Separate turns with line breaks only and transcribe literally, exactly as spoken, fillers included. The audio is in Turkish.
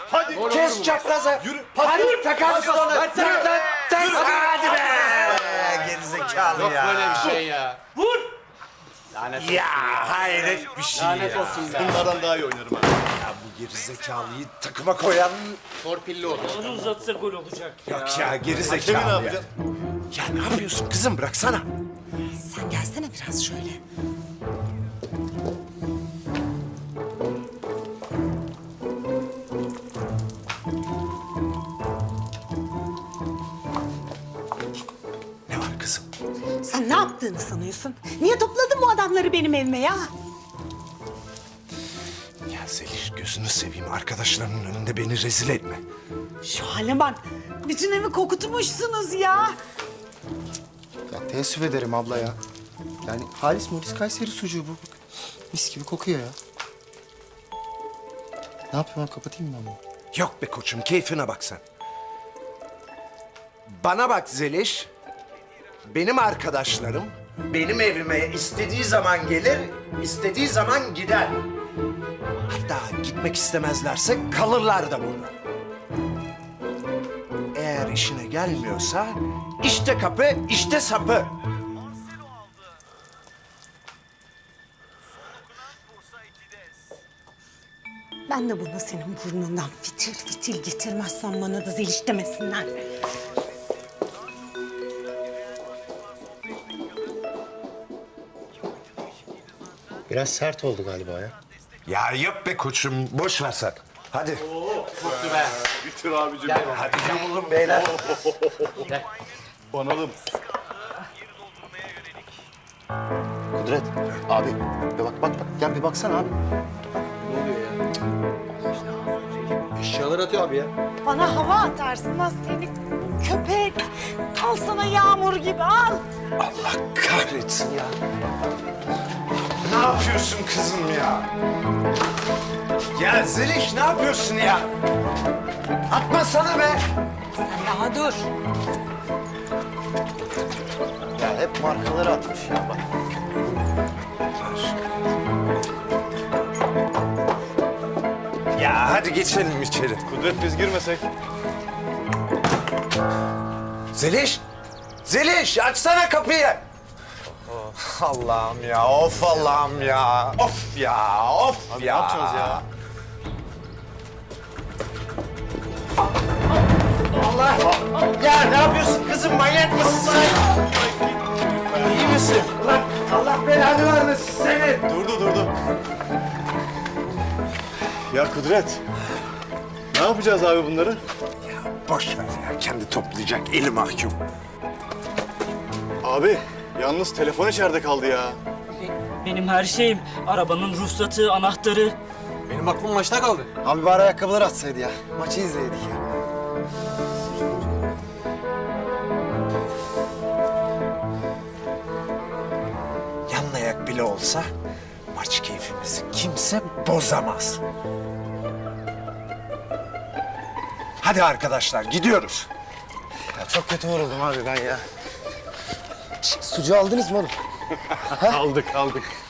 Hadi.
Kes çapraza.
Yürü.
Hadi takarsın onu.
Ver sen.
Tak tak tak. Hadi be. Gerizekalı
Yok
ya.
böyle bir şey ya.
Vur!
Lanet
Ya hayret bir şey
Lanet
ya.
olsun be.
Bunlardan daha iyi oynarım ha.
Ya bu gerizekalıyı takıma koyan
Torpilli olur.
Onu uzatsa gol olacak ya.
yok ya
Hakemi
gerizekalı
ne
ya.
yapacaksın?
Ya ne yapıyorsun kızım bıraksana.
Sen gelsene biraz şöyle.
Ne var kızım?
Sen ne yaptığını sanıyorsun? Niye topladın bu adamları benim evime ya?
Ya Zeliş gözünü seveyim arkadaşlarının önünde beni rezil etme.
Şu hale bak. Bütün evi kokutmuşsunuz ya.
Ya teessüf ederim abla ya. Yani Halis Moris Kayseri sucuğu bu. Bak, mis gibi kokuyor ya. Ne yapayım abi, kapatayım mı ben bunu?
Yok be koçum keyfine bak sen. Bana bak Zeliş. Benim arkadaşlarım benim evime istediği zaman gelir, istediği zaman gider. Hatta gitmek istemezlerse kalırlar da burada. Eğer işine gelmiyorsa işte kapı, işte sapı.
Ben de bunu senin burnundan fitil fitil getirmezsem bana da Zeliş demesinler.
Biraz sert oldu galiba ya.
Ya yok be koçum, boş ver sen. Hadi.
Koptu be.
Bitir abicim.
Gel.
Hadi yumulun beyler.
Gel.
Banalım.
Kudret, abi bir bak bak bak. Gel bir baksana abi.
Ne oluyor ya? Eşyalar atıyor abi ya.
Bana hava atarsın lan seni köpek. Al sana yağmur gibi al.
Allah kahretsin ya. Ne yapıyorsun kızım ya? Ya Zeliş ne yapıyorsun ya? Atmasana be.
Sen daha dur.
Ya hep markaları atmış ya bak.
Ya hadi geçelim içeri.
Kudret biz girmesek.
Zeliş! Zeliş açsana kapıyı. Allah'ım ya, of Allah'ım ya. Of ya, of
Abi
ya.
ne yapacağız ya?
Allah! Ya ne yapıyorsun kızım, manyak mısın sen? İyi misin? Ulan Allah belanı vermesin seni.
Durdu durdu. Ya Kudret. Ne yapacağız abi bunları?
Boş ver ya, kendi toplayacak eli mahkum.
Abi yalnız telefon içeride kaldı ya.
Benim her şeyim. Arabanın ruhsatı, anahtarı.
Benim aklım maçta kaldı.
Abi bari ayakkabıları atsaydı ya. Maçı izleydik ya.
Yan ayak bile olsa maç keyfimizi kimse bozamaz. Hadi arkadaşlar gidiyoruz.
Ya çok kötü vuruldum abi ben ya. Şş, sucuğu aldınız mı oğlum?
Aldık aldık.